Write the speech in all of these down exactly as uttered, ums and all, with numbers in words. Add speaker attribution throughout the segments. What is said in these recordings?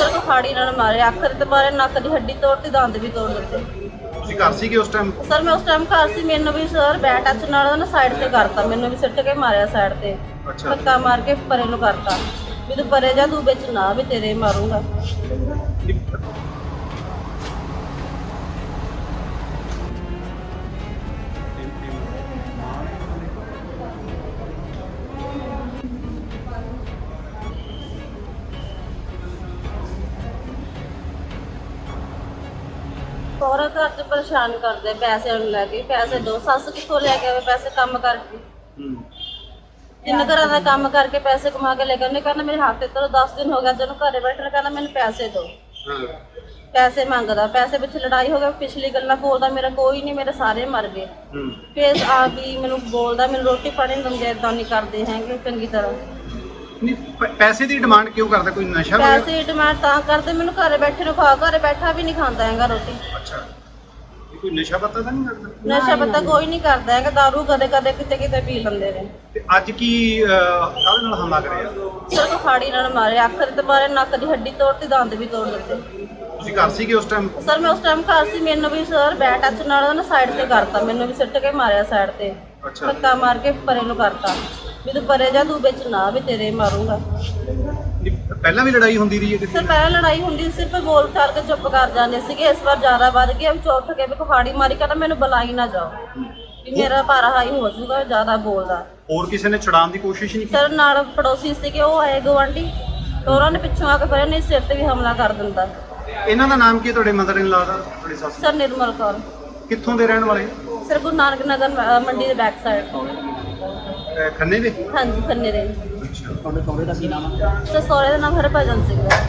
Speaker 1: Sir ਕੁਹਾੜੀ ਨਾਲ ਮਾਰੇ, ਅੱਖ ਤੇ ਮਾਰੇ, ਨੱਕ ਦੀ ਹੱਡੀ ਤੋੜਤੀ, ਦੰਦ ਵੀ ਤੋੜ ਦਿੱਤੇ।
Speaker 2: ਤੁਸੀਂ ਘਰ ਸੀਗੇ ਉਸ ਟਾਈਮ?
Speaker 1: ਸਰ ਮੈਂ ਉਸ ਟਾਈਮ ਘਰ ਸੀ, ਮੈਨੂੰ ਵੀ ਸਰ ਬੈਟ ਟੱਚ ਨਾਲ ਉਹਨੇ ਸਾਈਡ ਤੇ ਕਰਤਾ, ਮੈਨੂੰ ਵੀ ਸਿੱਟ ਕੇ ਮਾਰਿਆ ਸਾਈਡ ਤੇ, ਧੱਕਾ ਮਾਰ ਕੇ ਪਰੇ ਨੂੰ ਕਰਤਾ ਵੀ ਤੂੰ ਪਰੇ ਜਾ, ਤੂੰ ਵਿੱਚ ਨਾ ਵੀ ਤੇਰੇ ਮਾਰੂੰਗਾ। ਸਹੁਰਾ ਘਰ ਚ ਪਰੇਸ਼ਾਨ ਕਰਦੇ, ਪੈਸੇ ਨੂੰ ਲੈ ਕੇ, ਪੈਸੇ ਦੋ, ਸੱਸ ਕਿੱਥੋਂ ਲੈ ਕੇ ਆਵੇ ਪੈਸੇ ਕੰਮ ਕਰਕੇ, ਤਿੰਨ ਘਰਾਂ ਦਾ ਕੰਮ ਕਰਕੇ ਪੈਸੇ ਕਮਾ ਕੇ ਲੈ ਕੇ, ਉਹਨੇ ਕਹਿੰਦਾ ਮੇਰੇ ਹੱਥ ਤੇ ਚਲੋ ਦਸ ਦਿਨ ਹੋ ਗਿਆ ਜਦੋਂ ਘਰੇ ਬੈਠਣ, ਕਹਿੰਦਾ ਮੈਨੂੰ ਪੈਸੇ ਦਿਓ, ਪੈਸੇ ਮੰਗਦਾ, ਪੈਸੇ ਪਿੱਛੇ ਲੜਾਈ ਹੋ ਗਈ, ਪਿਛਲੀ ਗੱਲਾਂ ਬੋਲਦਾ, ਮੇਰਾ ਕੋਈ ਨਹੀਂ, ਮੇਰੇ ਸਾਰੇ ਮਰ ਗਏ। ਫੇਰ ਆ ਵੀ ਮੈਨੂੰ ਬੋਲਦਾ, ਮੈਨੂੰ ਰੋਟੀ ਪਾਣੀ ਨਹੀਂ ਦਿੰਦੇ, ਏਦਾਂ ਨਹੀਂ ਕਰਦੇ ਹੈਗੇ ਚੰਗੀ ਤਰ੍ਹਾਂ।
Speaker 2: ਨਹੀਂ ਪੈਸੇ ਦੀ ਡਿਮਾਂਡ ਕਿਉਂ ਕਰਦਾ? ਕੋਈ ਨਸ਼ਾ ਵਗੈਰਾ?
Speaker 1: ਪੈਸੇ ਦੀ ਡਿਮਾਂਡ ਤਾਂ ਕਰਦੇ, ਮੈਨੂੰ ਘਰੇ ਬੈਠੇ ਨੂੰ ਖਾ, ਘਰੇ ਬੈਠਾ ਵੀ ਨਹੀਂ ਖਾਂਦਾ ਹੈਗਾ ਰੋਟੀ।
Speaker 2: ਅੱਛਾ, ਕੋਈ ਨਸ਼ਾ ਪੱਤਾ ਤਾਂ ਨਹੀਂ ਕਰਦਾ?
Speaker 1: ਨਸ਼ਾ ਪੱਤਾ ਕੋਈ ਨਹੀਂ ਕਰਦਾ ਹੈਗਾ, ਦਾਰੂ ਕਦੇ ਕਦੇ ਕਿਤੇ ਕਿਤੇ ਪੀ ਲੈਂਦੇ ਨੇ।
Speaker 2: ਤੇ ਅੱਜ ਕੀ ਕਾਹਦੇ ਨਾਲ ਹਮਲਾ ਕਰਿਆ?
Speaker 1: ਸਰ ਕੁਹਾੜੀ ਨਾਲ ਮਾਰੇ, ਅੱਖ ਤੇ ਮਾਰੇ, ਨੱਕ ਦੀ ਹੱਡੀ ਤੋੜਤੀ, ਦੰਦ ਵੀ ਤੋੜ ਦਿੱਤੇ।
Speaker 2: ਤੁਸੀਂ ਘਰ ਸੀਗੇ ਉਸ ਟਾਈਮ?
Speaker 1: ਸਰ ਮੈਂ ਉਸ ਟਾਈਮ ਘਰ ਸੀ, ਮੈਨੂੰ ਵੀ ਸਰ ਬੈਟ ਟੱਚ ਨਾਲ ਉਹਨੇ ਸਾਈਡ ਤੇ ਕਰਤਾ, ਮੈਨੂੰ ਵੀ ਸਿੱਟ ਕੇ ਮਾਰਿਆ ਸਾਈਡ ਤੇ, ਧੱਕਾ ਮਾਰ ਕੇ ਪਰੇ ਨੂੰ ਕਰਤਾ ਵੀ ਤੂੰ ਪਰੇ ਜਾ, ਤੂੰ ਵਿੱਚ ਨਾ ਵੀ ਤੇਰੇ ਮਾਰੂੰਗਾ।
Speaker 2: ਪਹਿਲਾਂ ਵੀ ਲੜਾਈ ਹੁੰਦੀ ਰਹੀ ਹੈ ਕਿਸੇ
Speaker 1: ਸਰ ਪਹਿਲਾਂ ਲੜਾਈ ਹੁੰਦੀ ਸੀ, ਸਿਰਫ ਬੋਲ ਚਾਲ ਕੇ ਚੁੱਪ ਕਰ ਜਾਂਦੇ ਸੀਗੇ, ਇਸ ਵਾਰ ਜ਼ਿਆਦਾ ਵੱਧ ਗਿਆ, ਵਿੱਚ ਉੱਠ ਕੇ ਵੀ ਕੁਹਾੜੀ ਮਾਰੀ, ਕਹਿੰਦਾ ਮੈਨੂੰ ਬੁਲਾਈ ਨਾ ਜਾਓ ਵੀ ਮੇਰਾ ਭਾਰਾ ਹਾਈ ਹੋ ਜਾਊਗਾ, ਜ਼ਿਆਦਾ ਬੋਲਦਾ।
Speaker 2: ਹੋਰ ਕਿਸੇ ਨੇ ਛੁਡਾਉਣ ਦੀ ਕੋਸ਼ਿਸ਼ ਨਹੀਂ ਕੀਤੀ?
Speaker 1: ਸਰ ਨਾਲ ਪੜੋਸੀ ਸੀਗੇ, ਉਹ ਆਏ ਗੁਆਂਢੀ, ਤੇ ਉਹਨਾਂ ਨੇ ਪਿੱਛੋਂ ਆ ਕੇ ਫਿਰ ਇਹਨੇ ਸਿਰ ਤੇ ਵੀ ਹਮਲਾ ਕਰ ਦਿੰਦਾ।
Speaker 2: ਇਹਨਾਂ ਦਾ ਨਾਮ ਕੀ ਹੈ ਤੁਹਾਡੇ ਮਦਰ ਇਨ ਲਾ ਦਾ, ਤੁਹਾਡੀ ਸੱਸ?
Speaker 1: ਸਰ ਨਿਰਮਲ ਕੌਰ।
Speaker 2: ਕਿੱਥੋਂ ਦੇ ਰਹਿਣ ਵਾਲੇ?
Speaker 1: ਸਰ ਗੁਰੂ ਨਾਨਕ ਨਗਰ ਅ, ਮੰਡੀ ਦੇ ਬੈਕ ਸਾਈਡ।
Speaker 2: ਅਹ ਖੰਨੇ ਦੇ?
Speaker 1: ਹਾਂਜੀ ਖੰਨੇ ਦੇ।
Speaker 2: ਅੱਛਾ,
Speaker 3: ਤੁਹਾਡੇ ਸਹੁਰੇ ਦਾ ਕੀ ਨਾਮ ਹੈ?
Speaker 1: ਸਰ ਸਹੁਰੇ ਦਾ ਨਾਮ ਹਰਭਜਨ ਸਿੰਘ ਹੈ।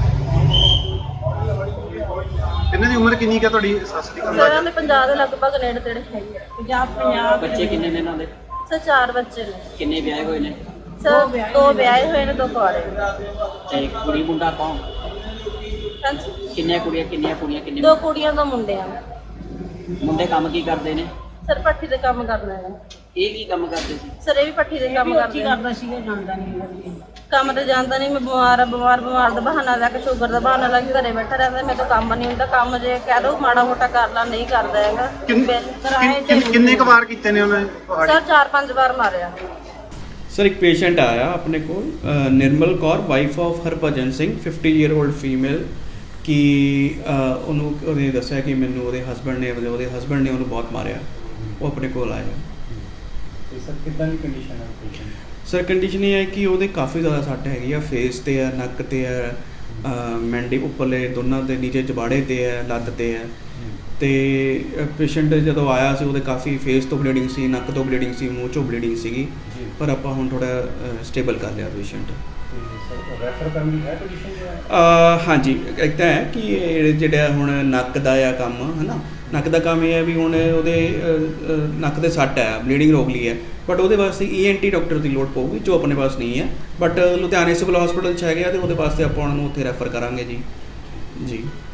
Speaker 2: ਇਹਨਾਂ ਦੀ ਉਮਰ ਕਿੰਨੀ ਕੁ ਹੈ ਤੁਹਾਡੀ ਸੱਸ ਦੀ?
Speaker 1: ਸਰ ਇਹਨਾਂ ਦੇ ਪੰਜਾਬ ਦੇ ਲਗਭਗ ਨੇੜੇ ਤੇੜੇ ਹੈਗੀ ਹੈ। ਪੰਜਾਬ ਪੰਜਾਬ
Speaker 3: ਬੱਚੇ ਕਿੰਨੇ ਨੇ ਇਹਨਾਂ ਦੇ?
Speaker 1: ਸਰ ਚਾਰ ਬੱਚੇ ਨੇ।
Speaker 3: ਕਿੰਨੇ ਵਿਆਹੇ ਹੋਏ ਨੇ?
Speaker 1: ਸਰ ਦੋ ਵਿਆਹੇ ਹੋਏ ਨੇ, ਦੋ ਕੁਆਰੇ।
Speaker 3: ਤੇ ਕੁੜੀ ਮੁੰਡਾ ਕੌਣ?
Speaker 1: ਹਾਂਜੀ
Speaker 3: ਕਿੰਨੀਆਂ ਕੁੜੀਆਂ ਕਿੰਨੀਆਂ ਕੁੜੀਆਂ ਕਿੰਨੇ
Speaker 1: ਦੋ ਕੁੜੀਆਂ ਦੋ ਮੁੰਡੇ ਆ।
Speaker 3: ਮੁੰਡੇ ਕੰਮ ਕੀ ਕਰਦੇ ਨੇ?
Speaker 1: ਸਰ ਪੱਠੀ ਦੇ ਕੰਮ ਕਰਨਾ ਹੈ।
Speaker 3: ਇਹ ਕੀ ਕੰਮ ਕਰਦੇ ਸੀ?
Speaker 1: ਸਰ ਇਹ ਵੀ ਪੱਠੀ ਦੇ ਕੰਮ ਕਰਦੇ
Speaker 4: ਕਰਦਾ ਸੀਗਾ, ਜਾਣਦਾ ਨਹੀਂ
Speaker 1: ਕੰਮ ਤੇ ਜਾਂਦਾ ਨਹੀਂ, ਮੈਂ ਬਿਮਾਰ ਆ, ਬਿਮਾਰ ਬਿਮਾਰ ਦਾ ਬਹਾਨਾ ਲੈ ਕੇ, ਸ਼ੂਗਰ ਦਾ ਬਹਾਨਾ ਲੈ ਕੇ ਘਰੇ ਬੈਠਾ ਰਹਿੰਦਾ, ਮੇਰੇ ਤੋਂ ਕੰਮ ਨਹੀਂ ਹੁੰਦਾ। ਕੰਮ ਜੇ ਕਹਿ ਦੋ ਮਾੜਾ ਮੋਟਾ ਕਰ ਲਾ, ਨਹੀਂ ਕਰਦਾ ਹੈਗਾ।
Speaker 2: ਕਿੰਨੇ ਕੁ ਵਾਰ ਕੀਤੇ ਨੇ ਉਹਨੇ?
Speaker 1: ਸਰ ਚਾਰ ਪੰਜ ਵਾਰ ਮਾਰਿਆ।
Speaker 5: ਸਰ ਇੱਕ ਪੇਸ਼ੈਂਟ ਆਇਆ ਆਪਣੇ ਕੋਲ, ਅ, Nirmal Kaur, wife of Harbhajan Singh, fifty year old female, ਕਿ ਅ, ਉਹਨੂੰ ਉਹਨੇ ਦੱਸਿਆ ਕਿ ਮੈਨੂੰ ਉਹਦੇ ਹਸਬੈਂਡ ਨੇ ਉਹਦੇ ਹਸਬੈਂਡ ਨੇ ਉਹਨੂੰ ਬਹੁਤ ਮਾਰਿਆ। ਉਹ ਆਪਣੇ ਕੋਲ ਆਇਆ।
Speaker 6: ਸਰ ਕਿੱਦਾਂ ਦੀ ਕੰਡੀਸ਼ਨ ਹੈ ਪੇਸ਼ੈਂਟ?
Speaker 5: ਸਰ ਕੰਡੀਸ਼ਨ ਇਹ ਹੈ ਕਿ ਉਹਦੇ ਕਾਫੀ ਜ਼ਿਆਦਾ ਸੱਟ ਹੈਗੀ ਆ, ਫੇਸ ਤੇ ਆ, ਨੱਕ ਤੇ ਆ, ਮੈਂਡੀ ਉੱਪਰਲੇ ਦੋਨਾਂ ਦੇ ਨੀਚੇ ਜਬਾੜੇ ਤੇ ਆ, ਲੱਤ ਤੇ ਆ। ਤੇ ਪੇਸ਼ੈਂਟ ਜਦੋਂ ਆਇਆ ਸੀ ਉਹਦੇ ਕਾਫੀ ਫੇਸ ਤੋਂ ਬਲੀਡਿੰਗ ਸੀ, ਨੱਕ ਤੋਂ ਬਲੀਡਿੰਗ ਸੀ, ਮੂੰਹ ਚੋਂ ਬਲੀਡਿੰਗ ਸੀਗੀ, ਪਰ ਆਪਾਂ ਹੁਣ ਥੋੜਾ ਸਟੇਬਲ ਕਰ ਲਿਆ ਪੇਸ਼ੈਂਟ।
Speaker 6: ਰੈਫਰ ਕਰਨ ਦੀ ਹੈ ਕੰਡੀਸ਼ਨ?
Speaker 5: ਹਾਂਜੀ, ਇੱਕ ਤਾਂ ਹੈ ਕਿ ਇਹ ਜਿਹੜਾ ਹੁਣ ਨੱਕ ਦਾ ਆ ਕੰਮ ਹੈ ਨਾ, ਨੱਕ ਦਾ ਕੰਮ ਇਹ ਹੈ ਵੀ ਹੁਣ ਉਹਦੇ ਨੱਕ ਦੇ ਸੱਟ ਹੈ, ਬਲੀਡਿੰਗ ਰੋਕ ਲਈ ਹੈ, ਬਟ ਉਹਦੇ ਵਾਸਤੇ ਈ ਐਨ ਟੀ ਡਾਕਟਰ ਦੀ ਲੋੜ ਪਊਗੀ, ਜੋ ਆਪਣੇ ਪਾਸ ਨਹੀਂ ਹੈ। ਬਟ ਲੁਧਿਆਣੇ ਸਿਵਲ ਹਸਪੀਟਲ 'ਚ ਹੈਗੇ ਆ, ਅਤੇ ਉਹਦੇ ਵਾਸਤੇ ਆਪਾਂ ਉਹਨਾਂ ਨੂੰ ਉੱਥੇ ਰੈਫਰ ਕਰਾਂਗੇ ਜੀ ਜੀ